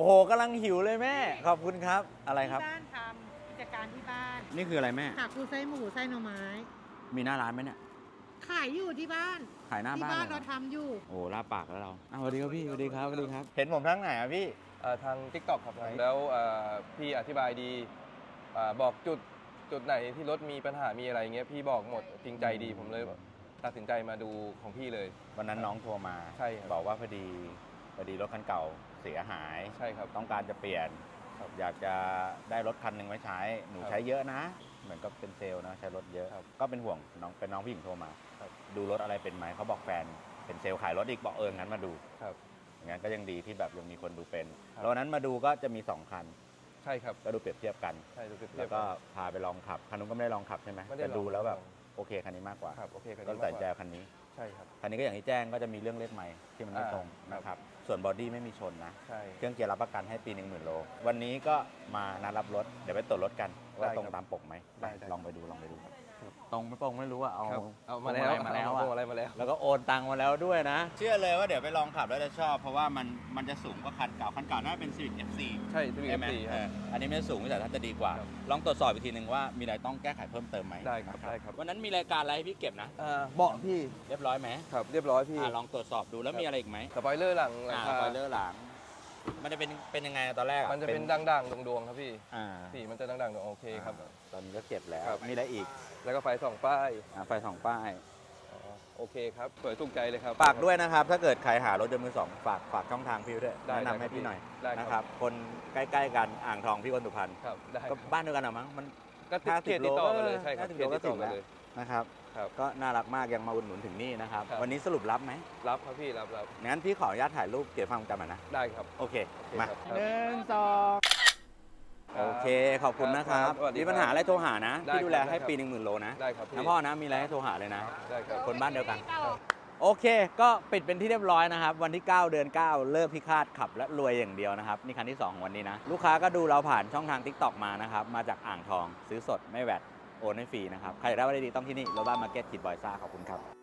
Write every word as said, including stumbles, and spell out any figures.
โหกำลังหิวเลยแม่ขอบคุณครับอะไรครับที่บ้านทำกิจการที่บ้านนี่คืออะไรแม่ขาปูไส้หมูไส้หน่อไม้มีหน้าร้านไหมเนี่ยขายอยู่ที่บ้านขายหน้าบ้านที่บ้านเลยเราทำอยู่โอ้ลาปากแล้วเราสวัสดีครับพี่สวัสดีครับสวัสดีครับเห็นผมทั้งไหนอ่ะพี่ทาง ทิกต็อก ครับแล้วพี่อธิบายดีบอกจุดจุดไหนที่รถมีปัญหามีอะไรเงี้ยพี่บอกหมดจริงใจดีผมเลยตัดสินใจมาดูของพี่เลยวันนั้นน้องโทรมาใช่ครับบอกว่าพอดีพอดีรถคันเก่าเสียหายใช่ครับต้องการจะเปลี่ยนอยากจะได้รถคันหนึ่งไว้ใช้หนูใช้เยอะนะเหมือนกับเป็นเซลล์นะใช้รถเยอะก็เป็นห่วงน้องเป็นน้องผู้หญิงโทรมาดูรถอะไรเป็นไหมเขาบอกแฟนเป็นเซลล์ขายรถอีกบอกเอองั้นมาดูอย่างนั้นก็ยังดีที่แบบยังมีคนดูเป็นแล้ววันนั้นมาดูก็จะมีสองคันใช่ครับก็ดูเปรียบเทียบกันใช่ดูเปรียบเทียบแล้วก็พาไปลองขับคันนู้นก็ไม่ได้ลองขับใช่ไหมแต่ดูแล้วแบบโอเคคันนี้มากกว่าครับโอเคคันนี้ก็ตัดใจคันนี้ใช่ครับคันนี้ก็อย่างที่แจ้งก็จะมีเรื่องเล็กใหม่ที่มันไม่ตรงนะครับส่วนบอดี้ไม่มีชนนะเครื่องเกียร์รับประกันให้ปีหนึ่งหมื่นโลวันนี้ก็มานัดรับรถเดี๋ยวไปตรวจรถกันว่าตรงตามปกไหมลองไปดูลองไปดูครับตรงไม่ตรงไม่รู้อะเอาเอามาแล้วมาแล้วอะไรมาแล้วแล้วก็โอนตังมาแล้วด้วยนะเชื่อเลยว่าเดี๋ยวไปลองขับแล้วจะชอบเพราะว่ามันมันจะสูงกว่าคันเก่าคันเก่าน่าจะเป็น Civic เอฟ ซีใช่ Civic เอฟ ซี ครับอันนี้ไม่สูงแต่ถ้าจะดีกว่าลองตรวจสอบอีกทีนึงว่ามีอะไรต้องแก้ไขเพิ่มเติมไหมได้ครับได้ครับวันนั้นมีรายการอะไรให้พี่เก็บนะเบาะพี่เรียบร้อยไหมครับเรียบร้อยพี่ลองตรวจสอบดูแล้วมีอะไรอีกไหมสปอยเลอร์หลังสปอยเลอร์หลังมันจะเป็นเป็นยังไงตอนแรกมันจะเป็นด่างๆดวงๆครับพี่สีมันจะด่างๆดวงโอเคครับตอนนี้ก็เก็บแล้วมีอะไรอีกแล้วก็ไฟสองป้ายไฟสองป้ายโอเคครับสวยถูกใจเลยครับฝากด้วยนะครับถ้าเกิดใครหารถยนต์มือสองฝากฝากช่องทางพี่ด้วยแนะนำให้พี่หน่อยนะครับคนใกล้ๆกันอ่างทองพี่คนสุพรรณก็บ้านเดียวกันหรอมั้งมันก็เขตติดต่อกันเลยใช่ครับเขตติดต่อกันเลยนะครับก็น่ารักมากยังมาอุดหนุนถึงนี่นะครับวันนี้สรุปรับไหมรับครับพี่รับรับงั้นพี่ขออนุญาตถ่ายรูปเก็บความจำหน่อยนะได้ครับโอเคมาหนึ่งสองโอเคขอบคุณนะครับมีปัญหาอะไรโทรหานะพี่ดูแลให้ปีหนึ่งหมื่นโลนะได้ครับนะพ่อนะมีอะไรให้โทรหาเลยนะได้ครับคนบ้านเดียวกันโอเคก็ปิดเป็นที่เรียบร้อยนะครับวันที่เก้าเดือนเก้าเลิกพิฆาตขับและรวยอย่างเดียวนะครับนี่คันที่สองของวันนี้นะลูกค้าก็ดูเราผ่านช่องทาง ทิกต็อก มานะครับมาจากอ่างทองซื้อสดไม่แวดโอนให้ฟรีนะครับใครอยากได้อะไรดีต้องที่นี่โรบ้ามาร์เก็ตคิดบอยซ่าขอบคุณครับ